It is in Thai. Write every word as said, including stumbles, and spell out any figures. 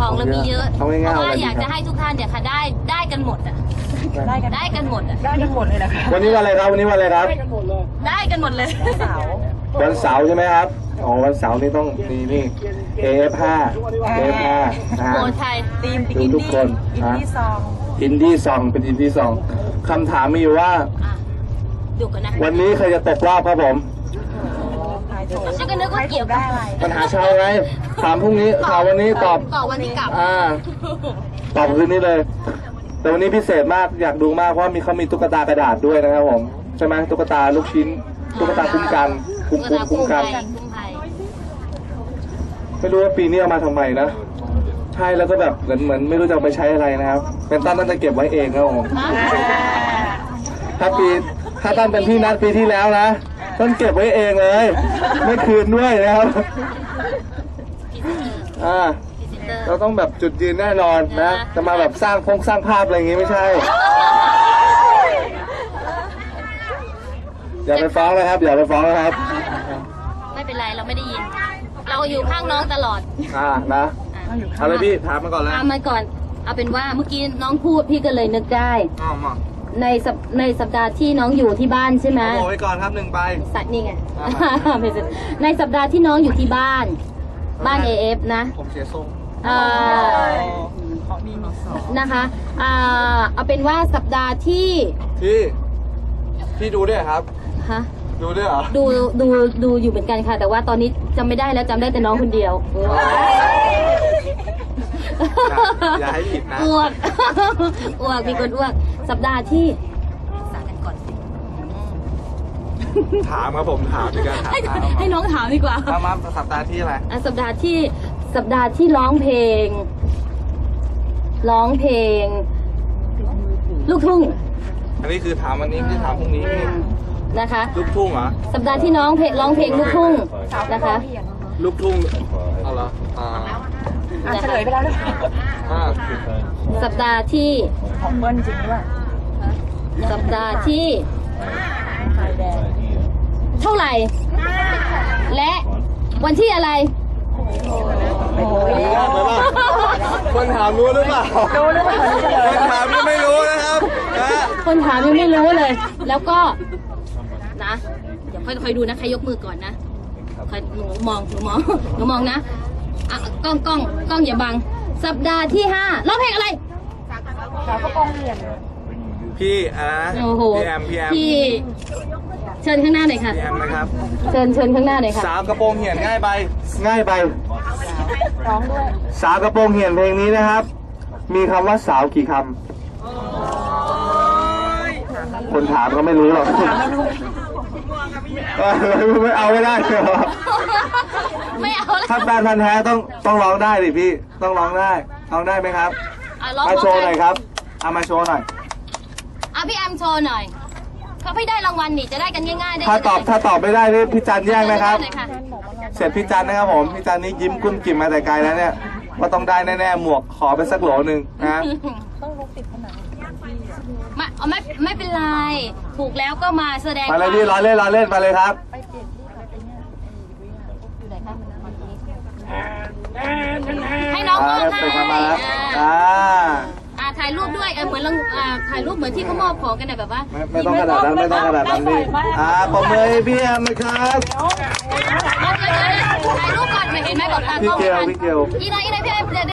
ของเรามีเยอะเพราะว่าอยากจะให้ทุกท่านเนี่ยค่ะได้ได้กันหมดอ่ะได้กันได้กันหมดอ่ะได้กันหมดเลยนะคะวันนี้วันอะไรครับวันนี้วันอะไรครับได้กันหมดเลยวันเสาร์วันเสาร์ใช่ไหมครับอ๋อวันเสาร์นี่ต้องนี่นี่ เอ เอฟ ห้า เอ เอฟ ห้า นะฮะทีมดูทุกคนอินดี้ซองอินดี้ซองเป็นอินดี้ซองคำถามมีอยู่ว่าวันนี้ใครจะตกรอบครับผมฉันก็นึกว่าเกี่ยวกับอะไรปัญหาชาวไงถามพรุ่งนี้ถามวันนี้ตอบตอบวันที่กลับอ่าตอบคืนนี้เลยแต่วันนี้พิเศษมากอยากดูมากเพราะมีเขามีตุ๊กตากระดาษด้วยนะครับผมใช่ไหมตุ๊กตาลูกชิ้นตุ๊กตาคุ้มกันคุ้มคุ้มคุ้มกันไม่รู้ว่าปีนี้เอามาทำไมนะใช่แล้วก็แบบเหมือนเหมือนไม่รู้จะเอาไปใช้อะไรนะครับเป็นตั้นตั้นจะเก็บไว้เองครับผมถ้าปีถ้าตั้นเป็นพี่นัดปีที่แล้วนะต้นเก็บไว้เองเลยไม่คืนด้วยนะครับอ่าเราต้องแบบจุดยืนแน่นอนนะจะมาแบบสร้างพงสร้างภาพอะไรอย่างงี้ไม่ใช่อย่าไปฟ้องเลยครับอย่าไปฟ้องนะครับไม่เป็นไรเราไม่ได้ยินเราอยู่ข้างน้องตลอดอ่านะเอาเลยพี่ถามมาก่อนเลยถามมาก่อนเอาเป็นว่าเมื่อกี้น้องพูดพี่ก็เลยนึกได้ในในสัปดาห์ที่น้องอยู่ที่บ้านใช่ไหมโอ้ยก่อนครับหนึ่งใบสัตว์นี่ไงในสัปดาห์ที่น้องอยู่ที่บ้านบ้าน เอ เอฟ นะผมเสียทรงนะคะอ่าเอาเป็นว่าสัปดาห์ที่ที่พี่ดูด้วยครับฮะดูด้วยเหรอดูดูดูอยู่เหมือนกันค่ะแต่ว่าตอนนี้จำไม่ได้แล้วจำได้แต่น้องคนเดียวอย่าให้ผิดนะอ้วกอ้วกมีคนอ้วกสัปดาห์ที่สากันก่อนถามครับผมถามดีกว่าถามให้น้องถามดีกว่าถามมาสัปดาห์ที่อะไรสัปดาห์ที่สัปดาห์ที่ร้องเพลงร้องเพลงลูกทุ่งอันนี้คือถามวันนี้คือถามพรุ่งนี้นะคะลูกทุ่งเหรอสัปดาห์ที่น้องเพลงร้องเพลงลูกทุ่งนะคะลูกทุ่งเอาเหรออ่าเฉลยไปแล้วเลยสัปดาห์ที่ของเบิ้ลจริงด้วยสัปดาห์ที่เท่าไหร่และวันที่อะไรคนถามรู้หรือเปล่ารู้หรือเปล่าคนถามยังไม่รู้นะครับคนถามยังไม่รู้เลยแล้วก็นะเดี๋ยวค่อยๆดูนะใครยกมือก่อนนะคอยหนูมองหนูมองหนูมองนะอ่ะกล้องกล้องกล้องอย่าบังสัปดาห์ที่ห้าร้องเพลงอะไรสาวกระโปรงเหรียญพี่อ่ะพี่แอมพี่แอมพี่เชิญข้างหน้าหน่อยค่ะพี่แอมนะครับเชิญเชิญข้างหน้าหน่อยค่ะสาวกระโปรงเหี่ยนง่ายไปง่ายไปร้องด้วยสาวกระโปรงเหี่ยนเพลงนี้นะครับมีคำว่าสาวกี่คำคนถามก็ไม่รู้หรอกไม่เอาไม่ได้เหรอไม่เอาถ้าแฟนพันธุ์แท้ต้องต้องร้องได้ดิพี่ต้องร้องได้ร้องได้ไหมครับมาโชว์หน่อยครับเอามาโชว์หน่อยอ่ะพี่แอมโชว์หน่อยเขาพี่ได้รางวัลนี่จะได้กันง่ายๆถ้าตอบถ้าตอบไม่ได้นี่พี่จันแย่งนะครับเสร็จพี่จันนะครับผมพี่จันนี่ยิ้มกุ้มกิ่มมาแต่ไกลแล้วเนี่ยว่าต้องได้แน่ๆหมวกขอไปสักโหลหนึ่งนะต้องลุกติดผนังไม่ไม่ไม่เป็นไรถูกแล้วก็มาแสดงมาเลยพี่รอเล่นรอเล่นมาเลยครับให้น้องมอบให้อ่าอ่าถ่ายรูปด้วยเออเหมือนเราอ่าถ่ายรูปเหมือนที่เขามอบของกันแบบว่าไม่ต้องขนาดนั้นไม่ต้องขนาดนั้นดิอ่าปมเลยพี่แอมนะครับถ่ายรูปก่อนเห็นไหมบอกตากล้องพี่เกียวพี่เกียวอีน้อยอีน้อยพี่แอม